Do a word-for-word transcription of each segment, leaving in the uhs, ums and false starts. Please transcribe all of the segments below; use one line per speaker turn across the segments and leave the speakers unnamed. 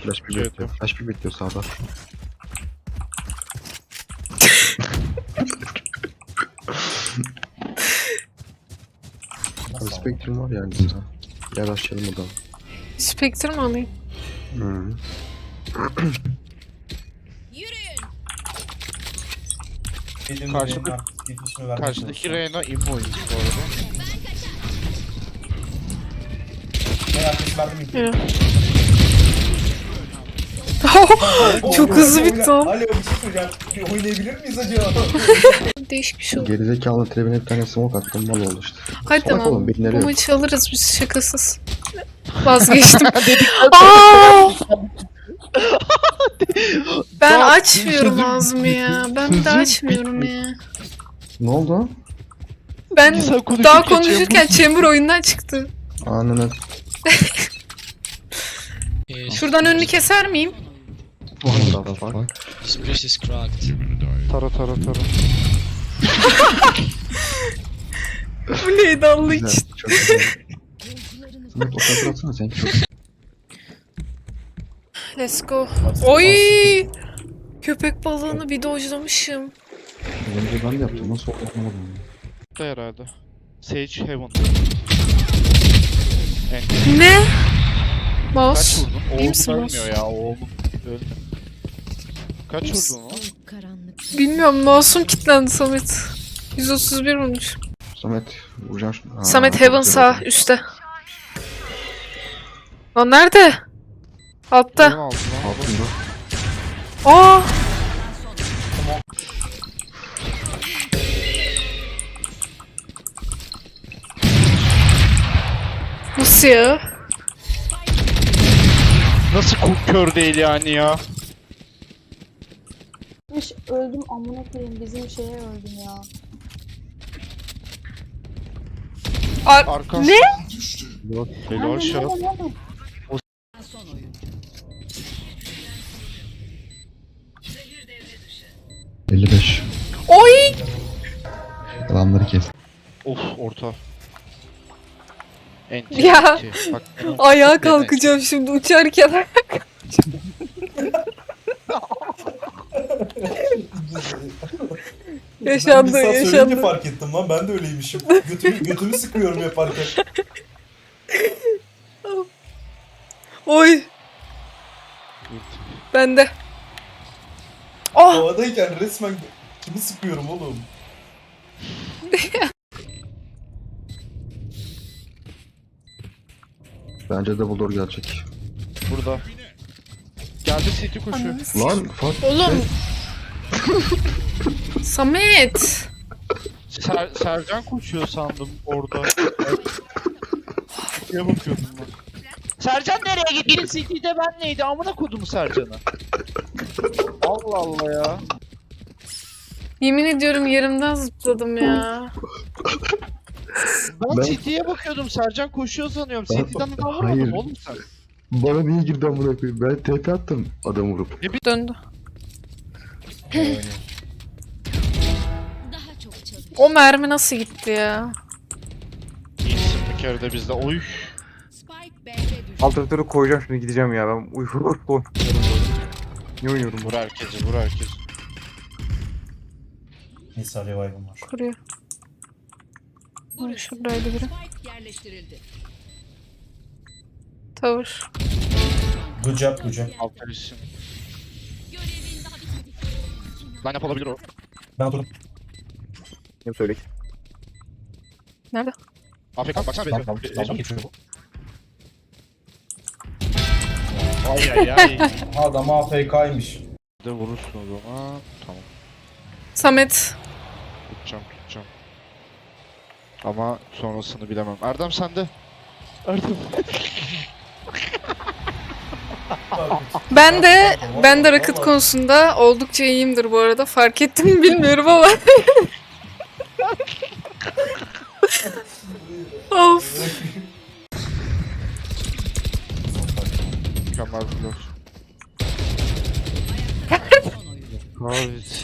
flash bir bekliyor. Flash bir bekliyor sağda. Spectrum var yani bizde. Gel açalım o da.
Spectre mi alayım?
Hı.
Karşıda, karşıdaki Reyna immoymuş bu arada.
Evet. Çok hızlı bitti o.
Alo bir şey soracağım. Bir oynayabilir miyiz acaba?
Değişik bir şey oldu.
Gerizekalı trebine bir tane smoke attım mal oldu işte.
Hadi
Salak
tamam.
oğlum, beni
Bu
nereye-
maçı alırız biz şakasız. Vazgeçtim. Aa! Ben
Daha
açmıyorum
sözüm-
ağzımı ya. Ben bir de
sözüm
açmıyorum ya.
Ne oldu?
Ben
Sen konuşurken
daha konuşurken
Chamber-
Chamber oyundan çıktı.
Ananı.
Şuradan önünü keser miyim?
What the fuck?
This bridge is cracked.
Tara tara tara.
Bu neydi Allah
Güzel,
için?
çok güzel. Samet o kadar atsana sen çok.
Let's go. Oy! Köpek balığını bir dojlamışım.
Önce ben de yaptım nasıl oldu anlamadım.
Da herhalde. Sage Heaven.
Ne?
Kaç
Mouse.
vurdun?
İyi
Oğlum
misin
ölmüyor
Mouse?
ya oğlum. Öldü. Kaç
İyi misin?
vurdun lan?
Bilmiyorum mouse'um kilitlendi Samet. yüz otuz bir vurmuş.
Samet vuracağım şunu. Aa,
Samet
çok
Heaven
güzel
sağ
oldu.
üstte. Lan nerede? Altta.
Heaven aldı lan.
Altında.
Aa! Nasıl ya?
Nasıl ku- kör değil yani ya?
Hiç öldüm amına koyayım bizim şeye öldüm ya.
Ar
Arkan.
ne?
Helal
Nerede,
şat.
nerede, nerede?
elli beş.
Oy!
Adamları kes.
Of orta. Enti.
Ya.
enti. Bak,
Ayağa kalkacağım şimdi uçarken. Yaşandı,
Ben bir saat
yaşandı.
söyleyince fark ettim lan ben de öyleymişim. Götümü, götümü sıkıyorum yaparken.
Oy! Bende. Oh!
Havadayken resmen kimi sıkıyorum oğlum.
Bence double door gelecek.
Burada. Geldi City koşuyor.
Lan fuck.
Oğlum. Samet.
Ser Sercan koşuyor sandım orada. City'ye bakıyordum ben. Sercan nereye gitti? Biri City'de ben neydi? Amına kodumu Sercan'a. Allah Allah ya.
Yemin ediyorum yerimden zıpladım ya.
Ben,
Ben-
City'ye bakıyordum. Sercan koşuyor sanıyorum.
Ben-
City'den adam
Hayır.
vurmadım oğlum sen.
Bana niye girdi amına koyayım? Ben T P attım adam vurup.
Döndü. O mermi nasıl gitti ya?
İyisin bir kere de bizde. Oy.
Alternatörü koyacağım şimdi gideceğim ya ben uyuyorum. Ne oynuyorum
Vur herkesi, vur herkesi.
Neyse revive'ım var.
Kuruyor. Ay, şuradaydı biri. Tavır.
Good job good job.
Aferin. Line up olabilir o.
Ben oturdum.
Ne söyle.
Nerede?
Afrika baksana
Tamam
be.
tamam tamam geçiyor bu.
Ay ay ay.
Adam A F K'ymış.
De vurursun o zaman. Tamam.
Samet.
Tutacağım tutacağım. Ama sonrasını bilemem. Erdem sende. Erdem.
Ben de ben de rakıt konusunda oldukça iyiyimdir bu arada. Fark ettim mi bilmiyorum ama. Of.
Mükemmel bir laf. Kahret.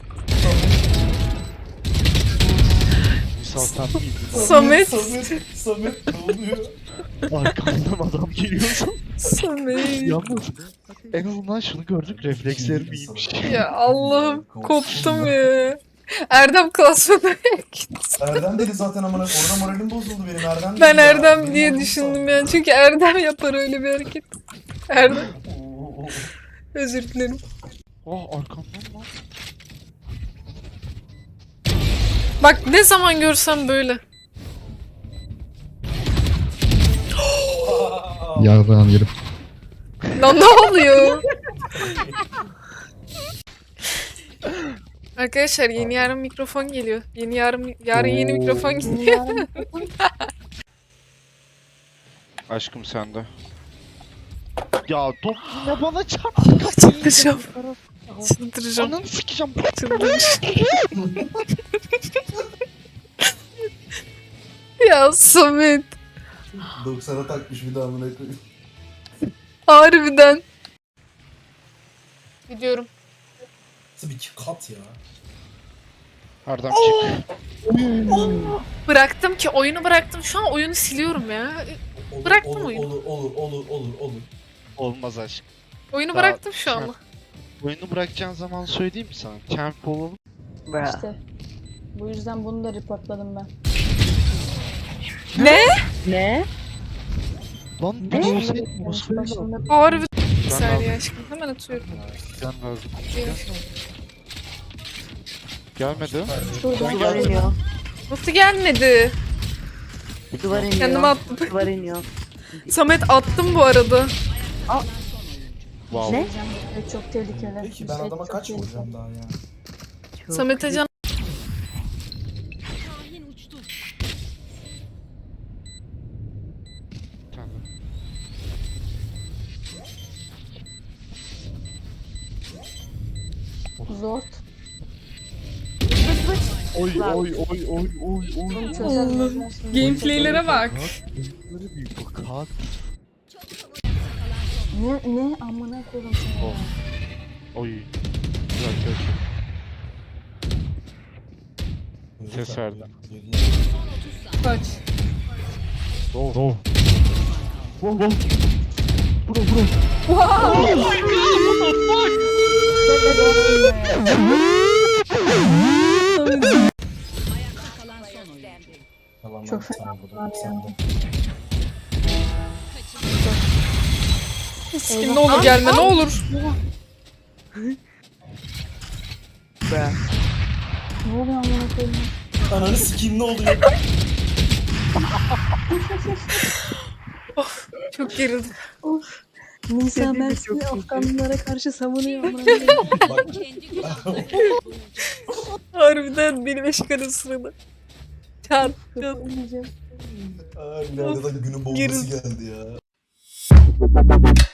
Misal sen miydin?
Samet.
Samet. Samet ne oluyor?
Arkamdan adam geliyorsa.
Samet.
Yalnız En azından şunu gördük, reflekslerim iyiymiş.
Ya Allah'ım koptum ya. Erdem klasmana gitti.
Erdem dedi zaten amına. Orada moralim bozuldu benim Erdem dedi
Ben
ya.
Erdem
Benim
diye
moralim
düşündüm
bozuldu.
yani. Çünkü Erdem yapar öyle bir hareket. Erdem.
Oo, oo.
Özür dilerim.
Oh arkamdan lan.
Bak ne zaman görsem böyle.
Yarrağım yerim.
Lan ne oluyor? Arkadaşlar yeni yarın mikrofon geliyor. Yeni yarın yarın yeni mikrofon geliyor.
Dünyanın
Aşkım sende. Ya top yine bana çarptı.
Çıldıracağım. Çıldıracağım.
Ananı sikeceğim.
Çıldıracağım. Ya Samet.
doksana takmış bir daha amına koyayım.
Harbiden. Gidiyorum.
Nasıl bir kat ya?
Erdem çık.
Bıraktım ki oyunu bıraktım. Şu an oyunu siliyorum ya.
Olur,
Bıraktım
olur,
oyunu.
Olur olur olur olur olur.
Olmaz aşk.
Oyunu
Daha-
bıraktım şu an.
Oyunu bırakacağın zaman söyleyeyim mi sana? Champ olalım.
işte. Bu yüzden bunu da reportladım ben.
Ne?
Ne?
Lan
Ne?
bu olsaydı
Yarış
olsaydı.
başında
Harbi. Bir saniye aşkım. Hemen atıyorum.
Gel lazım. Gelmedi.
şurada.
Duvar iniyor.
Nasıl gelmedi?
Duvar iniyor.
Kendime attım.
Duvar iniyor.
Samet attım bu arada.
Wow.
Ne?
Evet, çok tehlikeli.
Peki ben
Evet,
adama
çok
kaç
tehlikeli.
vuracağım daha ya?
Çok
Samet Acan.
Tamam.
Zor.
Oy oy oy oy oy oy.
Bunu çözelim.
Gameplaylere bak.
Böyle bir bakat.
Ne ne amına koydum seni.
Oh.
ya.
Oy. Güzel güzel. Ses verdi.
Kaç.
Oh. Oh.
Çok fena bunlar ya.
Kim ne olur gelme ne olur.
be.
Ne oluyor amına koyayım?
Ananı sikeyim ne oluyor?
Çok gerildim.
Nisa
Dediği de
Mersin'i
çok iyi.
Afganlılara karşı savunuyor amına koyayım.
Bak.
Harbiden benim eşkanın sırada. Çat çat.
Kafayı yiyeceğim.
Ay, nerede da günün bombası
Gerildim.
geldi ya.